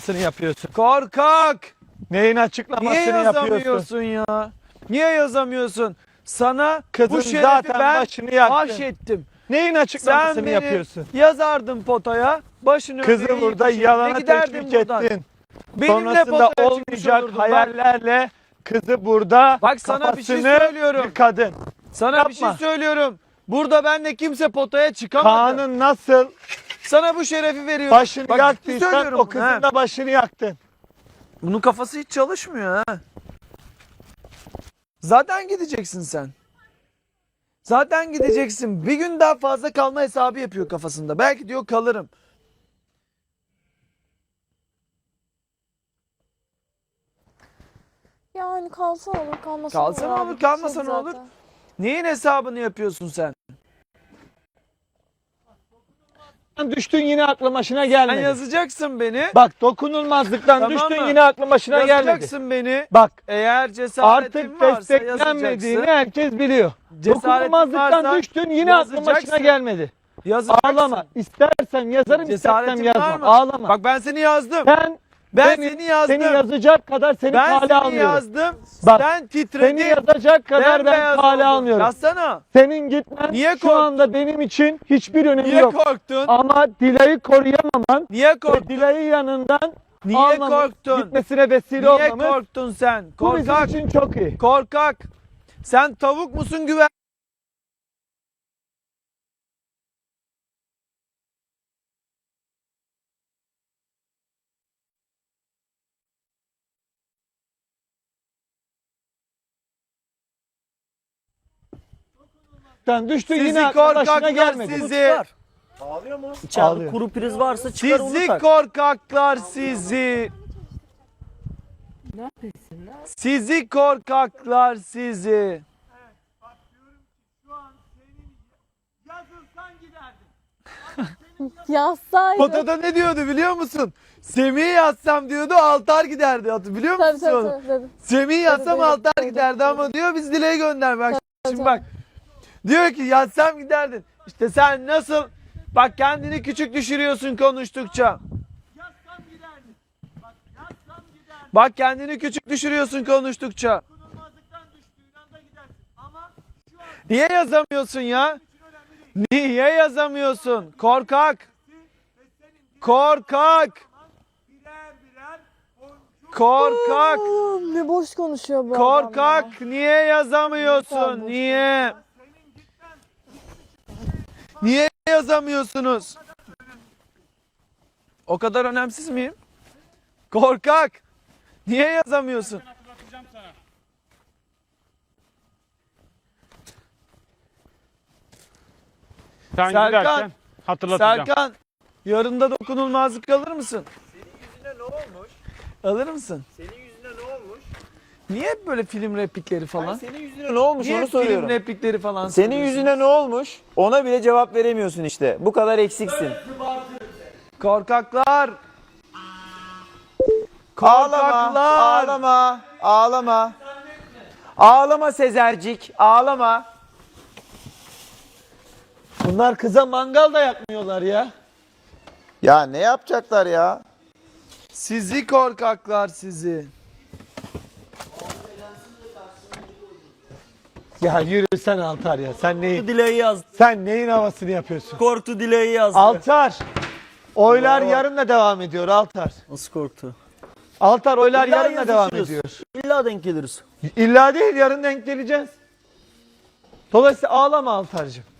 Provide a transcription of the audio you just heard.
yapıyorsun? Korkak! Neyin açıklamasını Niye yapıyorsun? yazamıyorsun ya? Niye yazamıyorsun? Sana Kızın bu şerefi zaten ben başını yaktın. bahşettim. Neyin Sen açıklamasını beni yapıyorsun? yazardın potaya. Başını Kızı öpeyim, burada peşine yalana giderdin teşvik buradan. ettin. Benimle Sonrasında potaya çıkmış olmayacak olurdun. Bak, hayallerle kızı burada Bak sana bir şey kafasını söylüyorum. yıkadın. sana bir şey yapma. söylüyorum. Burada benle kimse potaya çıkamadı. Kaan'ın nasıl Sana bu şerefi veriyorum. başını Bak, ciddi yaktıysan söylüyorum o bunu, kızın ha. da başını yaktın. Bunun kafası hiç çalışmıyor ha. Zaten gideceksin sen. Zaten gideceksin. Bir gün daha fazla kalma hesabı yapıyor kafasında. Belki diyor kalırım. Yani kalsa olur, kalmasa Kalsa olur. ne abi. olur, kalmasa Bitmedi ne olur? zaten. Neyin hesabını yapıyorsun sen? Düştün yine aklım başına Sen gelmedi. yazacaksın beni. Bak dokunulmazlıktan Tamam düştün mı? yine aklım başına gelmedi. Yazacaksın beni. Bak Eğer cesaretin artık varsa desteklenmediğini yazacaksın. herkes biliyor. Cesaretin Dokunulmazlıktan varsa düştün yine aklım başına yazacaksın. gelmedi. Yazacaksın. Ağlama. İstersem yazarım, Cesaretin istersem var yazmam. mı? Ağlama. Bak ben seni yazdım. ben Ben beni- seni yazdım. Seni yazacak kadar seni Ben kale seni almıyorum. yazdım. Bak, Sen titredin. Seni yazacak kadar ben Bembeyaz kale oldun. almıyorum. Yazsana. Senin gitmen Niye şu korktun? anda benim için hiçbir önemi Niye yok. korktun? Ama Dilay'ı koruyamaman Niye ve korktun? Dilay'ı yanından Niye almamın korktun? gitmesine vesile Niye olmamız korktun sen? bu bizim Korkak. için çok iyi. Korkak. Sen tavuk musun güven? Sen düştün Sizi yine aklın başına korkaklar gelmedi. sizi. Ağlıyor mu? İçeride Ağlıyor. kuru priz varsa çıkar onu Sizi tak. korkaklar sizi. Sizi korkaklar sizi. Yazsaydı. Potada ne diyordu biliyor musun? Semih'i yazsam diyordu altar giderdi. Biliyor Tabii musun onu? tabii. Semih'i yazsam Tabii, altar tabii, giderdi ama diyor biz Dile'yi gönder. Bak şimdi tabii. bak. Diyor ki yazsam giderdin. İşte sen nasıl bak kendini küçük düşürüyorsun konuştukça. Bak kendini küçük düşürüyorsun konuştukça. Niye yazamıyorsun ya? Niye yazamıyorsun? Korkak. Korkak. Korkak. Allah'ım, ne boş konuşuyor bu adam ya. Korkak. Niye yazamıyorsun? Niye? Niye yazamıyorsunuz? O kadar önemsiz miyim? Korkak. Niye yazamıyorsun? Sen Serkan, giderken hatırlatacağım. Serkan, yarın da dokunulmazlık alır mısın? Senin yüzüne ne olmuş? Alır mısın? Senin yüzüne ne olmuş? Niye hep böyle film replikleri falan? Senin yüzüne ne olmuş Niye onu hep film soruyorum. replikleri falan Senin söylüyorsun? yüzüne ne olmuş? Ona bile cevap veremiyorsun işte. Bu kadar eksiksin. Korkaklar. Ağlama, Korkaklar. ağlama, ağlama. Ağlama Sezercik, ağlama. Bunlar kıza mangal da yakmıyorlar ya. Ya ne yapacaklar ya? Sizi korkaklar sizi. Ya yürü sen Altar ya. Dileği yazdı. Sen neyin havasını yapıyorsun? Korktu dileği yazdı. Altar. Oylar Bravo. yarın da devam ediyor Altar. Nasıl korktu? Altar oylar İlla yarın da devam yazışırız. ediyor. İlla denk geliriz. İlla değil yarın denk geleceğiz. Dolayısıyla ağlama Altar'cığım.